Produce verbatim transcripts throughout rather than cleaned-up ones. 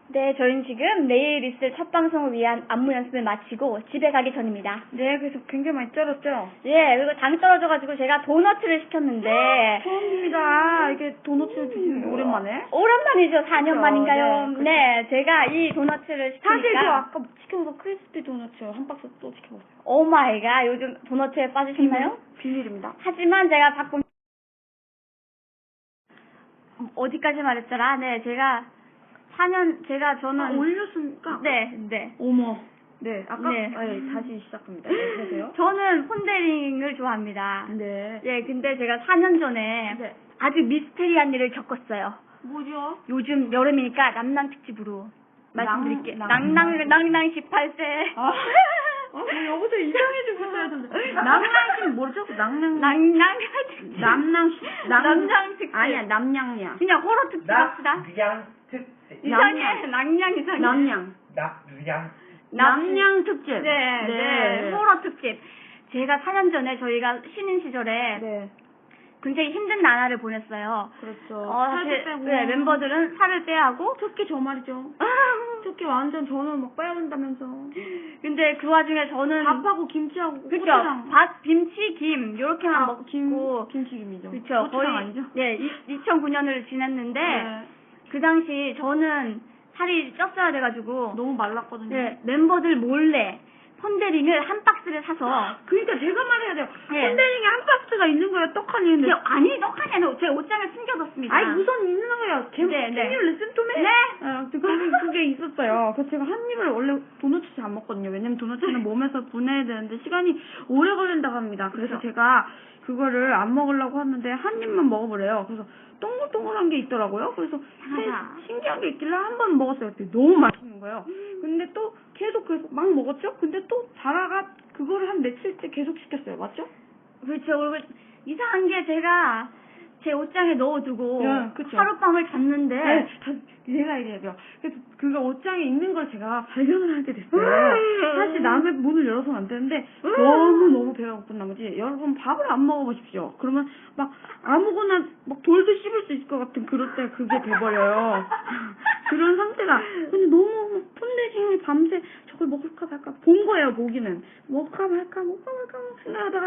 네, 저희는 지금 내일 있을 첫 방송을 위한 안무 연습을 마치고 집에 가기 전입니다. 네, 그래서 굉장히 많이 쩔었죠? 예, 그리고 당이 떨어져가지고 제가 도너츠를 시켰는데. 처음입니다. 이게 도너츠를 드시는 게 오랜만에. 오랜만이죠, 사 년 그렇죠. 만인가요? 네, 그렇죠. 네, 제가 이 도너츠를 시키니까. 사실 저 아까 시켜서 크리스피 도너츠 한 박스 또 시켜봤어요. 오 마이 갓, 요즘 도너츠에 빠지셨나요? 비밀, 비밀입니다. 하지만 제가 바꾼 어디까지 말했더라? 네, 제가 사 년, 제가 저는. 아, 올렸으니까? 네, 네. 어머. 네, 아까? 네. 네, 다시 시작합니다. 네, 그러세요? 저는 폰데링을 좋아합니다. 네. 예, 근데 제가 사 년 전에 네. 아주 미스테리한 일을 겪었어요. 뭐죠? 요즘 여름이니까 남낭 특집으로 말씀드릴게요. 낭- 낭낭, 낭낭 십팔 세. 아, 아, 뭐 여기서 이상해지고 있어야 되는데. 낭낭은 뭐죠? 낭낭. 낭낭 특집. 남낭, 남, 남낭 특집. 아니야, 남냥이야. 그냥 호러 특집 합시다. 남양 특집. 이상해. 낭냥 이상해. 남냥. 남양. 남냥 특집. 네, 네, 호러 특집. 제가 사 년 전에 저희가 신인 시절에 네. 굉장히 힘든 나날을 보냈어요. 그렇죠. 어, 살도 사실, 빼고. 네, 멤버들은 살을 빼야 하고. 특히 저 말이죠. 특히 완전 저는 막 빼야 된다면서. 근데 그 와중에 저는. 밥하고 김치하고 그쵸. 고추장. 밥, 김치, 김, 요렇게만 아, 먹고. 김, 김치김이죠. 그쵸. 거의. 아니죠? 네, 이천구 년을 지냈는데. 네. 그 당시 저는 살이 쪘어야 돼가지고. 너무 말랐거든요. 네, 멤버들 몰래 폰데링을 한 박스를 사서. 그러니까 제가 말해야 돼요. 네. 폰데링에 한 박스가 있는 거예요. 떡하니 있는데. 근데 아니, 떡하니 아니고 제 옷장에 숨겨뒀습니다. 아니 우선 있는 거예요. 제 네, 네. 생일 레슨 좀 해. 네. 어, 그게, 그게 있었어요. 그래서 제가 한 입을 원래 도넛 잘 안 먹거든요. 왜냐면 도넛은 몸에서 분해야 되는데 시간이 오래 걸린다고 합니다. 그래서 그렇죠. 제가 그거를 안 먹으려고 하는데 한 입만 먹어보래요. 그래서 동글동글한 게 있더라고요. 그래서 하하. 신기한 게 있길래 한 번 먹었어요. 그때 너무 맛있는 거예요. 근데 또 계속 계속 막 먹었죠? 근데 또 자라가 그거를 한 며칠째 계속 시켰어요. 맞죠? 그렇죠. 그리고 이상한 게 제가 제 옷장에 넣어두고 네, 그쵸. 하룻밤을 잤는데. 네, 다, 제가 얘기해요. 그래서 그가 옷장에 있는 걸 제가 발견을 하게 됐어요. 사실 남의 문을 열어서는 안 되는데 너무너무 배가 고픈 나머지 여러분 밥을 안 먹어보십시오. 그러면 막 아무거나 막 돌도 씹을 수 있을 것 같은 그럴 때 그게 돼버려요. 그런 상태가. 근데 너무 폰데링을 밤새 저걸 먹을까 말까 본 거예요. 보기는. 먹을까 말까 먹을까 말까 생각하다가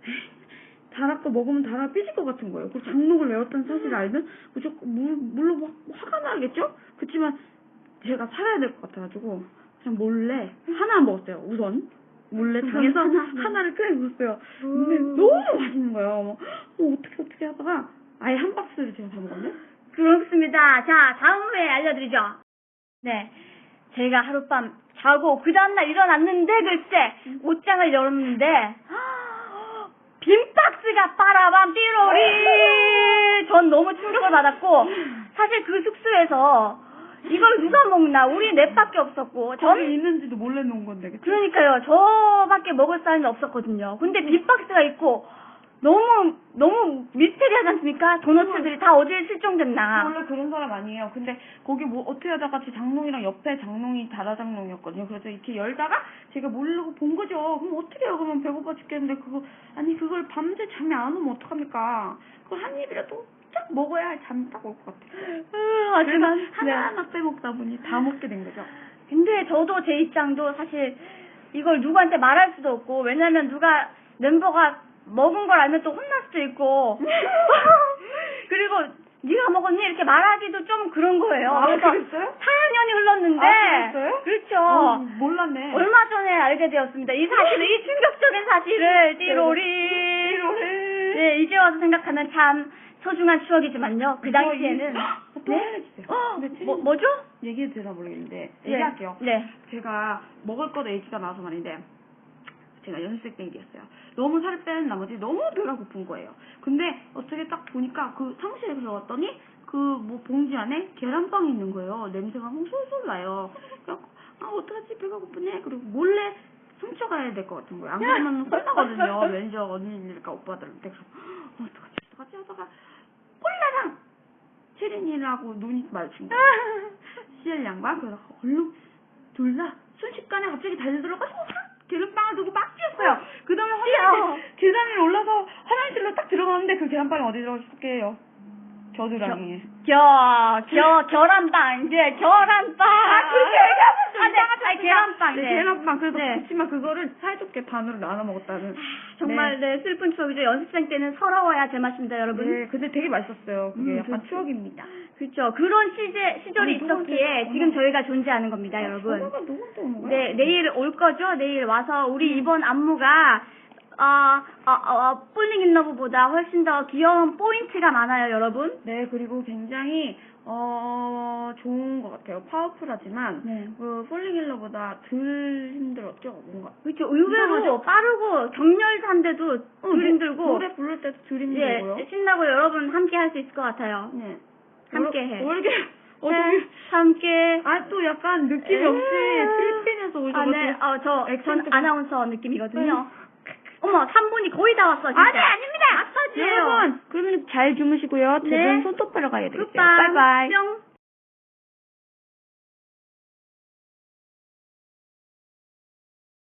달아거 먹으면 달아 삐질 것 같은 거예요. 그 장록을 외웠다는 사실을 알면 무조건 물, 물로 막 화가 나겠죠? 그렇지만 제가 살아야 될 것 같아가지고 그냥 몰래 하나 먹었어요. 우선 몰래 당해서 하나를 끓여 먹었어요. 근데 너무 맛있는 거예요. 뭐 어떻게 어떻게 하다가 아예 한 박스를 제가 다 먹었네. 그렇습니다. 자, 다음 후에 알려드리죠. 네, 제가 하룻밤 자고 그 다음날 일어났는데 글쎄 옷장을 열었는데 빈 박스가 빠라밤 띠로리. 전 너무 충격을 받았고 사실 그 숙소에서 이걸 누가 먹나 우리 넷밖에 없었고 전 거기 있는지도 몰래 놓은 건데. 그치? 그러니까요 저밖에 먹을 사람이 없었거든요. 근데 빈 박스가 있고 너무 너무 미스테리하지 않습니까? 도너츠들이 다 어디에 실종됐나. 원래 그런 사람 아니에요. 근데 거기 뭐 어떻게 하다가 제 장롱이랑 옆에 장롱이 다라 장롱이었거든요. 그래서 이렇게 열다가 제가 모르고 본 거죠. 그럼 어떻게 해요? 그러면 배고파 죽겠는데 그거 아니 그걸 밤새 잠이 안 오면 어떡합니까? 그걸 한 입이라도 딱 먹어야 잠이 딱 올 것 같아요. 음, 하지만 그래서 하나하나 빼먹다 보니 다 먹게 된 거죠. 근데 저도 제 입장도 사실 이걸 누구한테 말할 수도 없고 왜냐면 누가 멤버가 먹은 걸 알면 또 혼날 수도 있고 그리고 네가 먹었니? 이렇게 말하기도 좀 그런 거예요. 아, 그래서 그랬어요? 사 년이 흘렀는데 아, 그랬어요? 그렇죠. 어, 몰랐네. 얼마 전에 알게 되었습니다. 이 사실을 이 충격적인 사실을 띠로리 띠로리. 네, 이제 와서 생각하면 참 소중한 추억이지만요. 그 당시에는 또 알려주세요. 네? 뭐, 뭐죠? 얘기해도 되나 모르겠는데 네. 얘기할게요. 네. 제가 먹을 거도 얘기가 나와서 말인데 제가 연습생 때 일이었어요. 너무 살을 빼는 나머지 너무 배가 고픈 거예요. 근데 어떻게 딱 보니까 그 사무실에 들어갔더니 그 뭐 봉지 안에 계란빵이 있는 거예요. 냄새가 막 솔솔 나요. 그래서 아 어떡하지 배가 고프네. 그리고 몰래 훔쳐가야 될 것 같은 거예요. 안 그러면 혼나거든요. 매니저 언니니까 오빠들한테. 그래서 어, 어떡하지 어떡하지 하다가 콜라랑 체린이라고 눈이 마주친 거예요. 씨엘 양반. 그래서 얼른 둘 다 순식간에 갑자기 달려들어가지고 계란빵을 두고 막 뛰었어요. 그 다음에 화장실, 계단 위로 올라서 화장실로 딱 들어가는데 그 계란빵이 어디 들어갔을게요? 겨드랑이에. 겨, 겨, 결함빵, 네, 결함빵. 아, 그렇게 얘기하면 좀 아, 네, 이상하죠. 아, 계란빵, 네, 네. 계란빵. 그래서 네. 그렇지만 그거를 사이좋게 반으로 나눠 먹었다는. 정말, 네, 슬픈 추억이죠. 연습생 때는 서러워야 제맛입니다, 여러분. 네, 근데 되게 맛있었어요. 그게 음, 약간 그렇죠. 추억입니다. 그렇죠. 그런 시제, 시절이 아니, 있었기에 누구한테 지금 전화- 저희가 존재하는 겁니다, 아, 여러분. 전화가 누구한테 오는 거야? 네, 내일 올 거죠? 내일 와서 우리 이번 안무가 어, 어, 어, 폴링 인 러브보다 훨씬 더 귀여운 포인트가 많아요, 여러분. 네, 그리고 굉장히 어 좋은 것 같아요. 파워풀하지만 네. 그 폴링힐러보다 덜 힘들었죠, 뭔가. 그렇죠. 의외로 이상하죠? 빠르고 격렬한데도 덜 힘들고 노래 부를 때도 덜 힘들고요. 예, 신나고 여러분 함께 할 수 있을 것 같아요. 네. 함께 해. 왜 이렇게 어, 네, 되게- 함께. 아, 또 약간 느낌이 없이 필리핀에서 아, 오셔가지고. 네. 어, 저, 전 액센트가- 아나운서 느낌이거든요. 어머, 삼 분이 거의 다 왔어, 진짜. 아니, 아닙니다! 마사지예요. 여러분, 그러면 잘 주무시고요. 네. 저는 손톱 하러 가야 되겠어요. 굿밤. 바이바이. 뿅.